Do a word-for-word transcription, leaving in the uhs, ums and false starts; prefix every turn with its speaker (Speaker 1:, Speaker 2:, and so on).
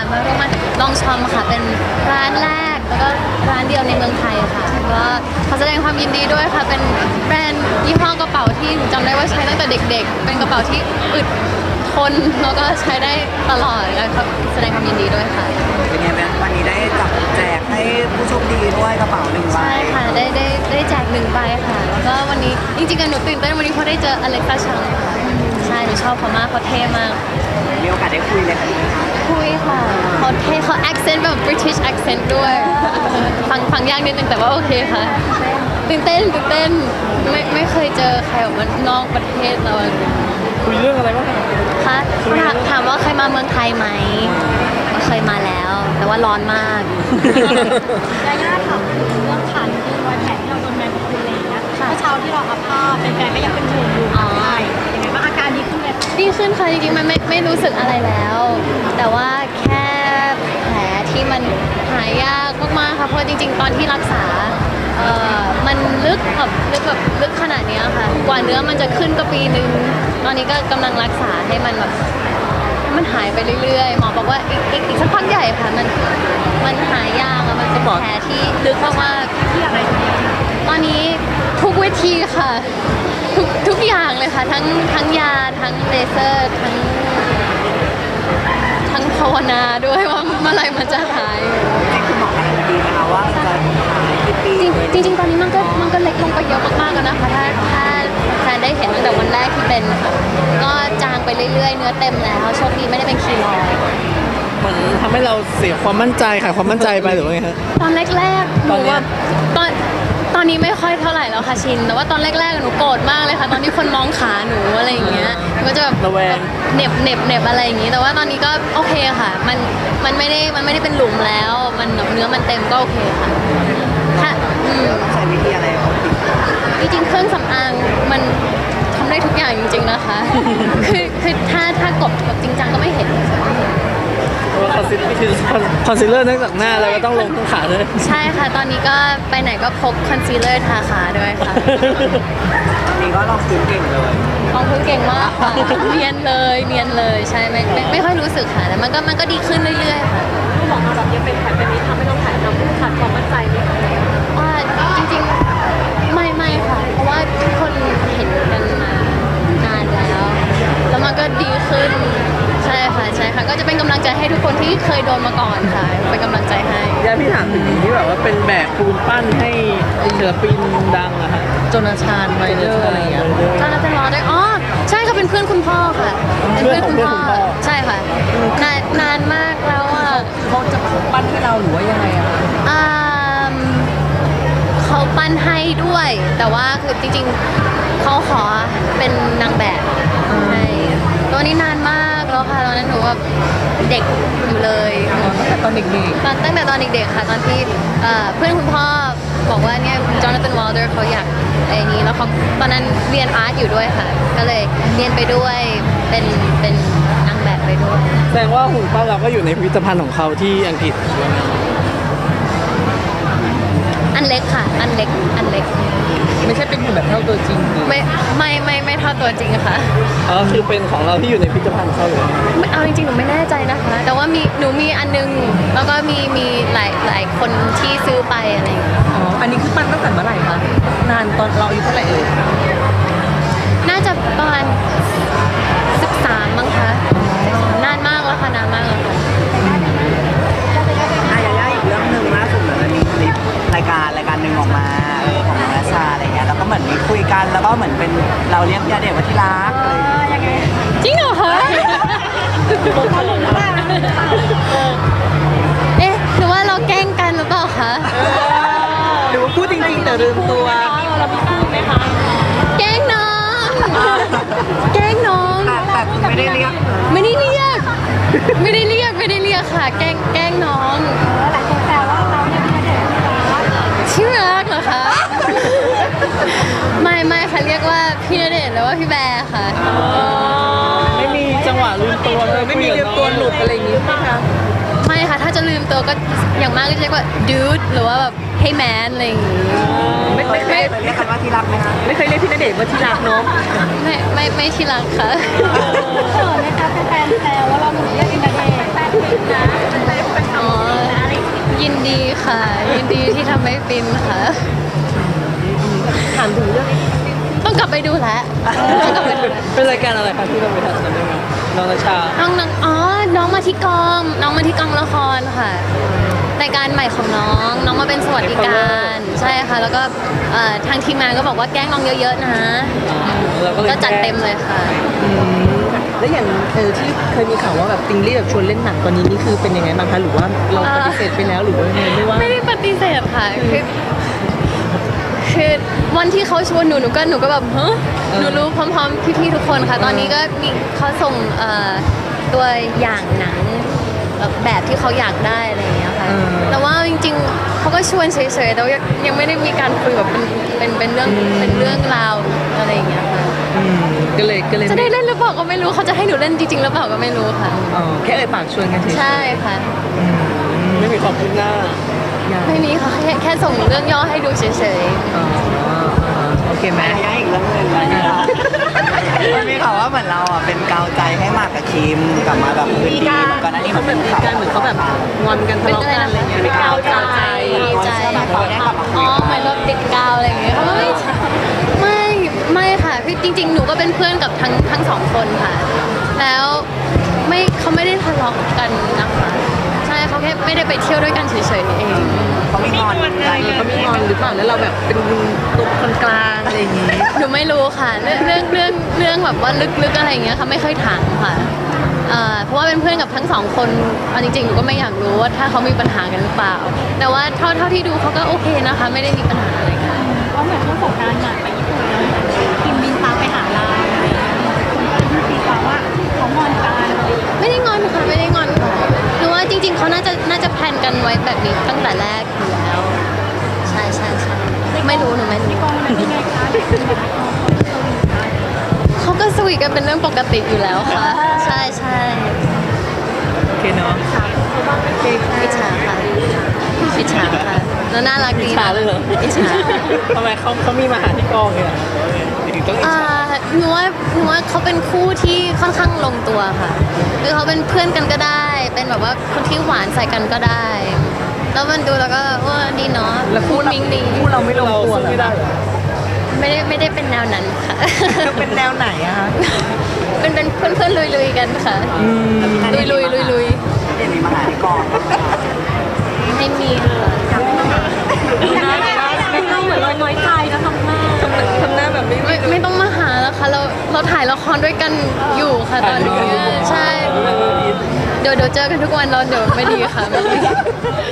Speaker 1: มาร่วมมาลองชอมค่ะเป็นร้านแรกแล้วก็ร้านเดียวในเมืองไทยค่ะก็ขอแสดงความยินดีด้วยค่ะเป็นแบรนด์ยี่ห้อกระเป๋าที่หนูจำได้ว่าใช้ตั้งแต่เด็กๆเป็นกระเป๋าที่อึดทนแล้วก็ใช้ได้ตลอดแล้วก็แสดงความยินดีด้วยค่ะ
Speaker 2: เป็นไงแม่วันนี้ได้จับแจกให้ผู้โชคดีด้วยกระเป๋าหนึ่งใบ
Speaker 1: ใช่ค่ะได้ได้ได้แจกหนึ่งใบค่ะแล้วก็วันนี้จริงๆหนูตื่นเต้นวันนี้เพราะได้เจออเล็กซ์ชังค่ะใช่หนูชอบเขามากเขาเท่มาก
Speaker 2: มีโอกาสได้คุยเลยค่ะ
Speaker 1: คุยค่ะเขาเท่เขา accent แบบ British accent ด้วยฟังฟังยากนิดนึงแต่ว่าโอเคค่ะตื่นเต้นตื่นเต้นไม่ไม่เคยเจอใครแบบว่านอกประเทศเรา
Speaker 3: คุยเรื่องอะไรบ้าง
Speaker 1: คะถามถามว่าเคยมาเมืองไทยไหมก็เคยมาแล้ว แต่ว่าร้อนมาก
Speaker 4: ยาย่าถามเรื่องขันคือรอยแผลที่เราโดนแมงกะพรุนอะไรอย่างเงี้ยเมื่อเช้าที่เราอัพภาพเป็นแฟนก็ยังเป็นห่วงอยู่ใช่ยังไงบ้างอาการดีขึ้นไหม
Speaker 1: ดีขึ้นค่ะจริงๆมันไม่ไม่รู้สึกอะไรแล้ว แต่ว่าแค่แผลที่มันหายยากมากๆค่ะเพราะจริงๆตอนที่รักษาเอ่อมันลึกแบบลึกแบบลึกขนาดนี้ค่ะกว่าเนื้อมันจะขึ้นก็ปีนึงตอนนี้ก็กำลังรักษาให้มันแบบมันหายไปเรื่อยๆหมอบอกว่าอีกอีกอีกสักพักใหญ่ค่ะมันมันหายยากอะมันเป็นแผลที่ลึกมากๆที่อะไรตอนนี้ทุกเวทีค่ะทุกทุกอย่างเลยค่ะทั้งทั้งยาทั้งเลเซอร์ทั้งทั้งภาวนาด้วยว่าเมื่อไหร่มันจะหาย
Speaker 2: ให้คุณหมอการันตีนะคะว่าจะหายกี่ปี
Speaker 1: จริงจริงๆตอนนี้มันก็มันก็เล็กลงไปเยอะมากๆแล้วนะคะถ้าถ้าแฟนได้เห็นตั้งแต่วันแรกที่เป็นค่ะก็จางไปเรื่อยๆเนื้อเต็มแล้วโชคดีไม่ได้เป็นคีลอย
Speaker 3: เหมือนทำให้เราเสียความมั่นใจค่ะความมั่นใจไปหรือว่าไงฮะ
Speaker 1: ตอนแรกๆหนูว่าตอนตอนนี้ไม่ค่อยเท่าไหร่แล้วค่ะชินแต่ว่าตอนแรกๆหนูโกรธมากเลยค่ะตอนที่คนมองขาหนูอะไรอย่างเงี้ยก็จะแบบ
Speaker 3: ระแวง
Speaker 1: เหน็บเหน็บเหน็บอะไรอย่างงี้แต่ว่าตอนนี้ก็โอเคค่ะมันมันไม่ได้มันไม่ได้เป็นหลุมแล้วมันเนื้อมันเต็มก็โอเคค่ะถ้าอืม
Speaker 2: ใช้วิธีอะไรเขา
Speaker 1: ติดจริงๆเครื่องสำอางมันทำได้ทุกอย่างจริงๆนะคะคือคือถ้าถ้ากดแบบจริงจังก็ไม่เห็น
Speaker 3: คอนซีลคือคอนซีลเลอร์นอกจากหน้าแล้วก็ต้องลงทั้งขาด้วย
Speaker 1: ใช่ค่ะตอนนี้ก็ไปไหนก็พกคอนซีลเลอร์ทาขาด้วยค่ะ
Speaker 2: ตอนนี้ก็ลองพื้นเก่งเลย
Speaker 1: ลองพื้นเก่งมากค่ะเนียนเลยเนียนเลยใช่ไม่ไม่ไม่ค่อยรู้สึกค่ะแต่มันก็มันก็ดีขึ้นเรื่อยๆค่ะ
Speaker 4: คุณหมอมาแบบยังเป็นแผลแบบนี้ทำให้เราถ่ายทำขาดความมั่นใจไหมคะ
Speaker 1: ว่าจริงๆไม่ไม่ค่ะเพราะว่าทุกคนเห็นกันมานานแล้วแล้วมันก็ดีขึ้นใช่ค่ะใช่ค่ะก็จะเป็นกำลังใจให้ทุกคนที่เคยโดนมาก่อนค่ะเป็นกำลังใจให้
Speaker 3: ย่าพี่ถามถึงที่แบบว่าเป็นแบบปูนปั้นให้ศิลปินดังอะค่ะโจนาธานไมเดอร์อะไรอย่างเงี้ย
Speaker 1: จอนาธาน วอลเดอร์อ๋อใช่ค่ะเป็นเพื่อนคุณพ่อค่ะ
Speaker 3: เป็นเพื่อนคุณพ่อ
Speaker 1: ใช่ค่ะนานนานมากแล้วอ่ะ
Speaker 3: เขาจะปั้นให้เราหรือว่ายังไงอะ
Speaker 1: อ่าเขาปั้นให้ด้วยแต่ว่าคือจริงๆเขาขอเป็นนางแบบให้ตัวนี้นานมากแล้วค่ะตอนนั้นหนูว่าเด็กอยู่เลย
Speaker 3: ตั้งแต่ตอนเด็ก
Speaker 1: ๆตอนตั้งแต่ตอนเด็กๆค่ะตอนที่เพื่อนคุณพ่อบอกว่าเนี่ยจอนาธาน วอลเดอร์เขาอยากไอ้นี้แล้วเขาตอนนั้นเรียนอาร์ตอยู่ด้วยค่ะก็เลยเรียนไปด้วยเป็นเป็นนางแบบไปด้วย
Speaker 3: แสดงว่าหุ่นปั้นเราก็อยู่ในพิพิธภัณฑ์ของเขาที่อังกฤษ
Speaker 1: อันเล็กค่ะอันเล็กอันเล็ก
Speaker 3: ไม่ใช่เป็นหุ่นแบบเท่าตัวจริง
Speaker 1: ไม่ไม่ไม่ไม่เท่าตัวจริงค่ะ
Speaker 3: อ๋อคือเป็นของเราที่อยู่ในพิพิธภัณฑ์เขาเลย
Speaker 1: ไม่เอาจริงๆหนูไม่แน่ใจนะคะแต่ว่ามีหนูมีอันนึงแล้วก็มีมีหลายหลายคนที่ซื้อไปอะไรอย่างเงี้ย
Speaker 3: อ๋ออันนี้คือปั้นตั้งแต่เมื่อไหร่คะนานตอนเราอายุเท่าไหร่เอ่ย
Speaker 1: น่าจะประมาณสิบสามมั้งคะนานมากแล้วค่ะนานมากแล้วค่ะ
Speaker 2: อ่ะยาย่าอีกเรื่องหนึ่งล่าสุดเหมือนมันมีคลิปรายการรายการหนึ่งออกมาเออของนัชชาอะไรเงี้ยแล้วก็เหมือนมีคุยกันแล้วก็เหมือนเป็นเราเรียกยาเด็กว่าที่รักเลย
Speaker 4: ยังไง
Speaker 1: จริงเหรอคะเอ๊ะหรือว่าเราแกล้งกันหรือเปล่าคะ
Speaker 3: หรือว่าพูดจริงๆแต่ลืมตัว
Speaker 4: เราไม่พูดไหมคะ
Speaker 1: แกล้งน้องแกล้งน้อง
Speaker 2: แต่ไม่ได้เรียก
Speaker 1: ไม่ได้เรียกไม่ได้เรียกไม่ได้เรียกค่ะแกล้งแกล้งน้อง
Speaker 4: หลายคนแซวว่าเราเนี่ยพี่ณเดชน์
Speaker 1: ชื่อรักเหรอคะไม่ไม่ค่ะเรียกว่าพี่ณเดชน์หรือว่าพี่แบร์ค่ะ
Speaker 3: ไม่มีจังหวะลืมตัวเลยไม่มีลืมตัวหลุดอะไรอย่างงี้ไหมคะ
Speaker 1: ไม่ค่ะถ้าจะลืมตัวก็อย่างมากก็จะเรียกว่า dude หรือว่าแบบ hey man อะไรอย่างงี้
Speaker 2: ไม่ไม่เคยเรียกกันว่าที่รักไหมคะ
Speaker 3: ไม่เคยเรียกพี่ณเดชน์ว่าที่รักเนาะ
Speaker 1: ไม่ไม่ไม่ที่รักค่ะ
Speaker 4: เขินไหมคะแฟนแซวว่าเราหนูเรียกพี่ณเดชน์แฟนๆนะ
Speaker 1: ดีที่ทำให้ฟินค่ะ
Speaker 3: ถามถึงเรื่อง
Speaker 1: ต้องกลับไปดูแลวต้องกลับไปดูแล
Speaker 3: เป็นรายการอะไรคะที่เราไปทำจำได้ไหมน้องนาชา
Speaker 1: น้องน้องอ๋อ น้องมาที่กอง น้องมาที่กองละครค่ะ รายการใหม่ของน้อง น้องมาเป็นสวัสดิการ ใช่ค่ะ แล้วก็เอ่อทางทีมงานก็บอกว่าแกล้งน้องเยอะๆนะ
Speaker 3: เราก็เลย
Speaker 1: ก็จัดเต็มเลยค่ะ
Speaker 3: อืมแล้วอย่างเออที่เคยมีข่าวว่าแบบติงลี่แบบชวนเล่นหนังตอนนี้นี่คือเป็นยังไงบ้างคะหรือว่าเราปฏิเสธไปแล้วหรือว่ายังไงไม่ว่า
Speaker 1: ไม่ได้ปฏิเสธค่ะ คือคือวันที่เขาชวนหนูหนูก็หนูก็แบบเฮ้หนูรู้พร้อมๆพี่ๆทุกคนค่ะ ตอนนี้ก็มีเขาส่งเอ่อตัวอย่างหนังแบบแบบที่เขาอยากได้อะไรอย่างเงี้ยค่ะ
Speaker 3: เออ
Speaker 1: แต่ว่าจริงๆเขาก็ชวนเฉยๆแต่ว่ายังยังไม่ได้มีการคุยแบบเป็นเป็นเป็นเรื่องเป็นเรื่องราวอะไรอย่างเงี้ยค่ะ
Speaker 3: อืมก็เลยก็เลย
Speaker 1: จะได้เล่นหรือเปล่าก็ไม่รู้เขาจะให้หนูเล่นจริงๆหรือเปล่าก็ไม่รู้ค่ะ
Speaker 3: อ๋อแค่เอ่ยปากชวนกันเฉยๆ
Speaker 1: ใช่ค่ะ
Speaker 3: อืมไม่มีความคืบหน้ายัง
Speaker 1: ไม่มีค่ะแค่แค่ส่งเรื่องย่อให้ดูเฉย
Speaker 3: อ๋อโอเคไหม
Speaker 2: แม่ยังอีกเรื่องหนึ่งนะมันมีข่าวว่าเหมือนเราอ่ะเป็นกาวใจให้หมากกับคิมกลับมาแบบคืนดีเหมือนก่อนหน้านี้
Speaker 3: เขา
Speaker 2: มัน
Speaker 3: เป็
Speaker 2: เป็น นข่าว
Speaker 3: การเหมือนเขาแบบงอนกัน
Speaker 1: ๆ
Speaker 3: ทะเลาะกันอะไรอย่างเงี้ย
Speaker 1: เป็นกาวใจ
Speaker 2: กาวใจเขาได้กลับมาคุ
Speaker 1: อ๋
Speaker 2: ย
Speaker 1: อ
Speaker 2: กัน
Speaker 1: เหมือนเราติดกาวอะไรอย่างเงี้ยไม่ใช่ไม่ไม่ค่ะคือจริง ๆ หนูก็เป็นเพื่อนกับทั้งทั้งสองคนค่ะ แล้วไม่เขาไม่ได้ทะเลาะกันนะคะใช่เขาแค่ไม่ได้ไปเที่ยวด้วยกันเฉยๆเอง
Speaker 2: เขาไม่งอนใจ
Speaker 3: เขามีงอนหรือเปล่าแล้วเราแบบเป็นตัวคนกลางอะไรอย่างงี้
Speaker 1: หนูไม่รู้ค่ะ เรื่องเรื่องเรื่องเรื่องแบบว่าลึกๆอะไรอย่างเงี้ยค่ะไม่ค่อยถามค่ะเอ่อเพราะว่าเป็นเพื่อนกับทั้งสองคนเอาจริงๆหนูก็ไม่อยากรู้ว่าถ้าเขามีปัญหากันหรือเปล่า แต่ว่าเท่าเท่าที่ดูเขาก็โอเคนะคะ ไม่ได้มีปัญหาอะไรกัน
Speaker 4: เพราะเหมือนช่วงสงกรานต์หมากไปญี่ปุ่นแล้วกิมบินตามไปหาเราอะไรอย่างเงี้ยคนก็เลยตีความว่าเขางอนกันอะไรอย่างเงี้ย
Speaker 1: ไม่ได้งอนค่ะไม่ได้งอนค่ะหรือว่าจริง ๆเขาน่าจะน่าจะแพลนกันไว้แบบนี้ตั้งแต่แรกอยู่แล้ว ใช่ใช่ใช่ไม่รู้หนูไม่รู้
Speaker 4: กองมันเป็นไงคะเด็กเป็นไงคะ
Speaker 1: เขาก็สวีทกันเป็นเรื่องปกติอยู่แล้วค่ะ ใช่ใช่
Speaker 3: โอเคเนาะโอเคค่ะ
Speaker 1: อิจฉาค่ะอิจฉาค่ะแล้วน่ารักดี
Speaker 3: อิจฉาเลยเหรอ
Speaker 1: อิจฉา
Speaker 3: ทำไมเขาเขามีมาหาที่กองเนี่ยถึงต้องอิจ
Speaker 1: อ่า
Speaker 3: ฉา
Speaker 1: หนูว่าหนูว่าเขาเป็นคู่ที่ค่อนข้างลงตัวค่ะ คือเขาเป็นเพื่อนกันก็ได้ เป็นแบบว่าคนที่หวานใส่กันก็ได้ แล้วมันดูแล้วก็ว่าดีเนาะ
Speaker 3: แล้วคู่
Speaker 1: มิ้งดี
Speaker 3: คู่เราไม่ลงตัวเหรอ
Speaker 2: ไม่ได้เหรอ
Speaker 1: ไม่ได้ไม่ได้เป็นแนวนั้นค่ะ
Speaker 3: เป็นแนวไหนอะคะ
Speaker 1: เป็นเป็นเพื่อนเพื่อนลุยลุยๆกันค่ะ ลุยลุยลุยลุย
Speaker 2: เห็นมีมาหาที่กอง
Speaker 1: ๆไม่มีค่ะ
Speaker 4: ไม่ต้องเหมือนเราน้อยใจนะทำหน้า
Speaker 3: ทำทำหน้าแบบไม่
Speaker 1: ไม่ไม่ต้องมาหาแล้วค่ะเราเราถ่ายละครด้วยกันอยู่ค่ะตอนนี้ใช่ เดี๋ยวเดี๋ยวเจอกันทุกวันเราเดี๋ยวไม่ดีค่ะไม่ดี